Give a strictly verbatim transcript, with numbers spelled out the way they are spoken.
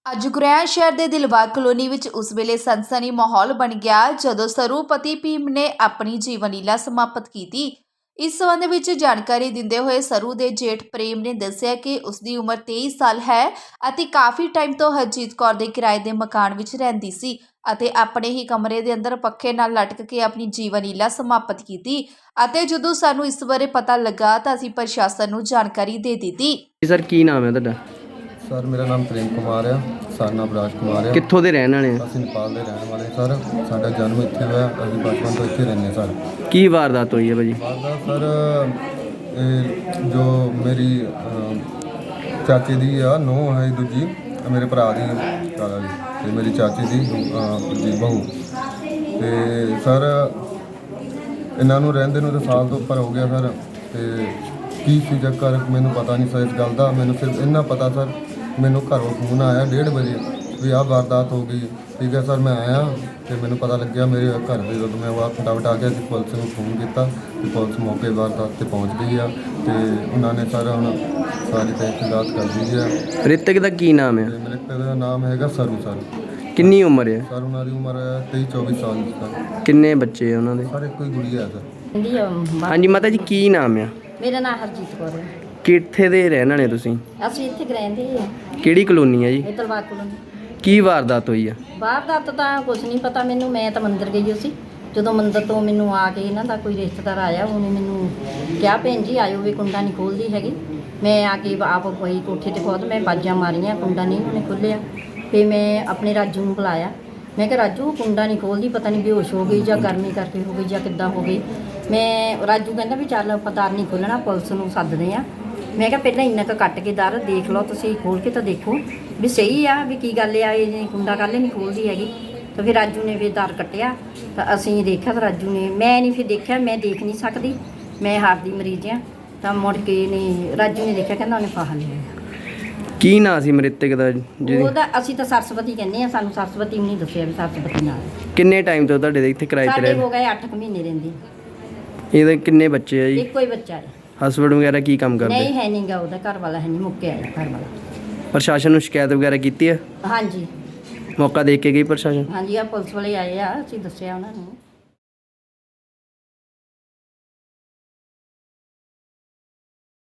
ਅੱਜ ਗੁਰੈਣ ਸ਼ਹਿਰ ਦੇ ਦਿਲਬਾਗ ਕਲੋਨੀ ਵਿੱਚ ਉਸ ਵੇਲੇ ਸਨਸਨੀ ਮਾਹੌਲ ਬਣ ਗਿਆ ਜਦੋਂ ਸਰੂਪਤੀ ਭੀਮ ਨੇ ਆਪਣੀ ਜੀਵਨ ਲੀਲਾ ਸਮਾਪਤ ਕੀਤੀ। ਇਸ ਸੰਬੰਧ ਵਿੱਚ ਜਾਣਕਾਰੀ ਦਿੰਦੇ ਹੋਏ ਸਰੂ ਦੇ ਜੇਠ ਪ੍ਰੇਮ ਨੇ ਦੱਸਿਆ ਕਿ ਉਸ ਦੀ ਉਮਰ ਤੇਈ ਸਾਲ ਹੈ ਅਤੇ ਕਾਫੀ ਟਾਈਮ ਤੋਂ ਹਰਜੀਤ ਕੌਰ ਦੇ ਕਿਰਾਏ ਦੇ ਮਕਾਨ ਵਿੱਚ ਰਹਿੰਦੀ ਸੀ ਅਤੇ ਆਪਣੇ ਹੀ ਕਮਰੇ ਦੇ ਅੰਦਰ ਪੱਖੇ ਨਾਲ ਲਟਕ ਕੇ ਆਪਣੀ ਜੀਵਨ ਲੀਲਾ ਸਮਾਪਤ ਕੀਤੀ ਅਤੇ ਜਦੋਂ ਸਾਨੂੰ ਇਸ ਬਾਰੇ ਪਤਾ ਲੱਗਾ ਤਾਂ ਅਸੀਂ ਪ੍ਰਸ਼ਾਸਨ ਨੂੰ ਜਾਣਕਾਰੀ ਦੇ ਦਿੱਤੀ। ਸਰ ਕੀ ਨਾਮ ਹੈ ਤੁਹਾਡਾ? सर मेरा नाम प्रेम कुमार है, सर नाम राज कुमार है। कित्थों दे रहने वाले? ਅਸੀਂ नेपाल ਦੇ ਰਹਿਣ ਵਾਲੇ ਸਰ। ਸਾਡਾ ਜਨਮ ਇੱਥੇ ਹੋਇਆ, ਅਸੀਂ ਬਚਪਨ ਤੋਂ ਇੱਥੇ ਰਹਿੰਦੇ ਸਰ। ਕੀ ਵਾਰਦਾਤ ਹੋਈ ਹੈ ਭਾਜੀ? ਵਾਰਦਾਤ ਸਰ ਇਹ ਜੋ ਮੇਰੀ ਅਹ, ਚਾਚੀ ਦੀ ਆ ਨੂੰਹ ਹੈ ਦੂਜੀ, ਮੇਰੇ ਭਰਾ ਦੀ ਕਾਲਾ ਜੀ ਤੇ ਮੇਰੀ ਚਾਚੀ ਦੀ ਅਹ, ਜੀ ਬਹੂ ਤੇ ਸਰ ਇਹਨਾਂ ਨੂੰ ਰਹਿੰਦੇ ਨੂੰ ਤਾਂ ਸਾਲ ਤੋਂ ਉੱਪਰ ਹੋ ਗਿਆ ਸਰ। ਤੇ ਕੀ ਸੀ ਚੱਕਰ ਮੈਨੂੰ ਪਤਾ ਨਹੀਂ ਸਰ ਇਸ ਗੱਲ ਦਾ। ਮੈਨੂੰ ਸਿਰਫ ਇੰਨਾ ਪਤਾ ਸਰ ਮੈਨੂੰ ਘਰੋਂ ਫੋਨ ਆਇਆ ਡੇਢ ਵਜੇ ਵੀ ਆਹ ਵਾਰਦਾਤ ਹੋ ਗਈ। ਠੀਕ ਹੈ ਸਰ, ਮੈਂ ਆਇਆ ਤੇ ਮੈਨੂੰ ਪਤਾ ਲੱਗਿਆ ਮੇਰੇ ਘਰ ਦੇ ਜਦੋਂ ਮੈਂ ਵਾਰ ਫਟਾਫਟ ਆ ਗਿਆ ਅਸੀਂ ਪੁਲਿਸ ਨੂੰ ਫੋਨ ਕੀਤਾ ਤੇ ਪੁਲਿਸ ਮੌਕੇ ਵਾਰਦਾਤ 'ਤੇ ਪਹੁੰਚ ਗਈ ਆ ਤੇ ਉਹਨਾਂ ਨੇ ਸਰ ਹੁਣ ਸਾਰੀ ਤਹਿਕੀਕਾਤ ਕਰ ਦਿੱਤੀ ਆ। ਮ੍ਰਿਤਕ ਦਾ ਕੀ ਨਾਮ ਹੈ? ਤੇ ਮ੍ਰਿਤਕ ਦਾ ਨਾਮ ਹੈਗਾ ਸਰੂ ਸਰ। ਕਿੰਨੀ ਉਮਰ ਹੈ ਸਰ ਉਹਨਾਂ ਦੀ ਉਮਰ ਹੈ ਤੇਈ ਚੌਵੀ ਸਾਲ ਦੀ ਸਰ। ਕਿੰਨੇ ਬੱਚੇ ਆ ਉਹਨਾਂ ਦੇ? ਸਰ ਇੱਕੋ ਹੀ ਗੁੜੀਆ ਹੈ ਸਰ। ਹਾਂਜੀ ਮਾਤਾ ਜੀ ਕੀ ਨਾਮ ਆ? ਮੇਰਾ ਨਾਮ ਹਰਜੀਤ ਕੌਰ ਹੈ। ਕਿੱਥੇ ਦੇ ਰਹਿਣ ਵਾਲੇ ਤੁਸੀਂ? ਅਸੀਂ ਇੱਥੇ ਰਹਿੰਦੇ ਹਾਂ, ਕਿਹੜੀ ਕਲੋਨੀ ਹੈ ਜੀ? ਇਹ ਤਲਵਾਰ ਕੋਲੋਂ। ਕੀ ਵਾਰਦਾਤ ਹੋਈ ਆ? ਵਾਰਦਾਤ ਤਾਂ ਕੁਝ ਨਹੀਂ ਪਤਾ ਮੈਨੂੰ। ਮੈਂ ਤਾਂ ਮੰਦਿਰ ਗਈ ਸੀ। ਜਦੋਂ ਮੰਦਿਰ ਤੋਂ ਮੈਨੂੰ ਆ ਕੇ ਇਹਨਾਂ ਦਾ ਕੋਈ ਰਿਸ਼ਤੇਦਾਰ ਆਇਆ, ਉਹਨੇ ਮੈਨੂੰ ਕਿਹਾ ਭੈਣ ਜੀ ਆਇਓ ਵੀ ਕੁੰਡਾ ਨਹੀਂ ਖੋਲ੍ਹਦੀ ਹੈਗੀ। ਮੈਂ ਆ ਕੇ ਆਪ ਕੋਈ ਕੋਠੇ 'ਤੇ ਖੁਦ ਮੈਂ ਬਾਜਾਂ ਮਾਰੀਆਂ, ਕੁੰਡਾ ਨਹੀਂ ਉਹਨੇ ਖੋਲ੍ਹਿਆ। ਫਿਰ ਮੈਂ ਆਪਣੇ ਰਾਜੂ ਨੂੰ ਬੁਲਾਇਆ। ਮੈਂ ਕਿਹਾ ਰਾਜੂ ਕੁੰਡਾ ਨਹੀਂ ਖੋਲ੍ਹਦੀ, ਪਤਾ ਨਹੀਂ ਬੇਹੋਸ਼ ਹੋ ਗਈ ਜਾਂ ਗਰਮੀ ਕਰਕੇ ਹੋ ਗਈ ਜਾਂ ਕਿੱਦਾਂ ਹੋ ਗਈ। ਮੈਂ ਰਾਜੂ ਕਹਿੰਦਾ ਵੀ ਚੱਲ ਆਪਾਂ ਦਰ ਨਹੀਂ ਖੋਲ੍ਹਣਾ, ਪੁਲਿਸ ਨੂੰ ਸੱਦਦੇ ਆ। ਮੈਂ ਕਿਹਾ ਪਹਿਲਾਂ ਇੰਨਾ ਕੁ ਕੱਟ ਕੇ ਦਰ ਦੇਖ ਲਓ, ਤੁਸੀਂ ਖੋਲ੍ਹ ਕੇ ਤਾਂ ਦੇਖੋ ਵੀ ਸਹੀ ਆ ਵੀ ਕੀ ਗੱਲ ਆ, ਇਹ ਕੁੰਡਾ ਕੱਲ੍ਹ ਨਹੀਂ ਖੋਲ੍ਹਦੀ ਹੈਗੀ। ਤਾਂ ਫਿਰ ਰਾਜੂ ਨੇ ਫਿਰ ਦਰ ਕੱਟਿਆ ਤਾਂ ਅਸੀਂ ਦੇਖਿਆ ਤਾਂ ਰਾਜੂ ਨੇ, ਮੈਂ ਨਹੀਂ ਫਿਰ ਦੇਖਿਆ, ਮੈਂ ਦੇਖ ਨਹੀਂ ਸਕਦੀ, ਮੈਂ ਹਾਰਟ ਦੀ ਮਰੀਜ਼ ਆ। ਤਾਂ ਮੁੜ ਕੇ ਨੇ ਰਾਜੂ ਨੇ ਦੇਖਿਆ, ਕਹਿੰਦਾ ਉਹਨੇ ਫਾਹਾ ਲਿਆ। ਕੀ ਨਾਂ ਸੀ ਮ੍ਰਿਤਕ ਦਾ ਜੀ? ਉਹਦਾ ਅਸੀਂ ਤਾਂ ਸਰਸਵਤੀ ਕਹਿੰਦੇ ਆ, ਸਾਨੂੰ ਸਰਸਵਤੀ ਵੀ ਨਹੀਂ ਦੱਸਿਆ ਵੀ ਸਰਸਵਤੀ ਨਾਲ। ਕਿੰਨੇ ਟਾਈਮ ਤੋਂ ਤੁਹਾਡੇ ਦੇ ਇੱਥੇ ਕਿਰਾਏ ਤੇ ਸਾਡੇ ਰਹਿ? ਹੋ ਗਏ ਅੱਠ ਕੁ ਮਹੀਨੇ ਰਹਿੰਦੀ। ਇਹਦੇ ਕਿੰਨੇ ਬੱਚੇ ਆ ਜੀ? ਇੱਕੋ ਹੀ ਬੱਚਾ ਹੈ। ਹਸਬੈਂਡ ਵਗੈਰਾ ਕੀ ਕੰਮ ਕਰਦੇ? ਨਹੀਂ ਹੈ ਨਹੀਂ ਗਾ, ਉਹਦਾ ਘਰ ਵਾਲਾ ਹੈ ਨਹੀਂ, ਮੁੱਕਿਆ ਹੈ ਘਰ ਵਾਲਾ। ਪ੍ਰਸ਼ਾਸਨ ਨੂੰ ਸ਼ਿਕਾਇਤ ਵਗੈਰਾ ਕੀਤੀ ਹੈ? ਹਾਂਜੀ ਮੌਕਾ ਦੇ ਕੇ ਗਈ ਪ੍ਰਸ਼ਾਸਨ? ਹਾਂਜੀ, ਆ ਪੁਲਿਸ ਵਾਲੇ ਆਏ ਆ, ਅਸੀਂ ਦੱਸਿਆ ਉਹਨਾਂ ਨੂੰ।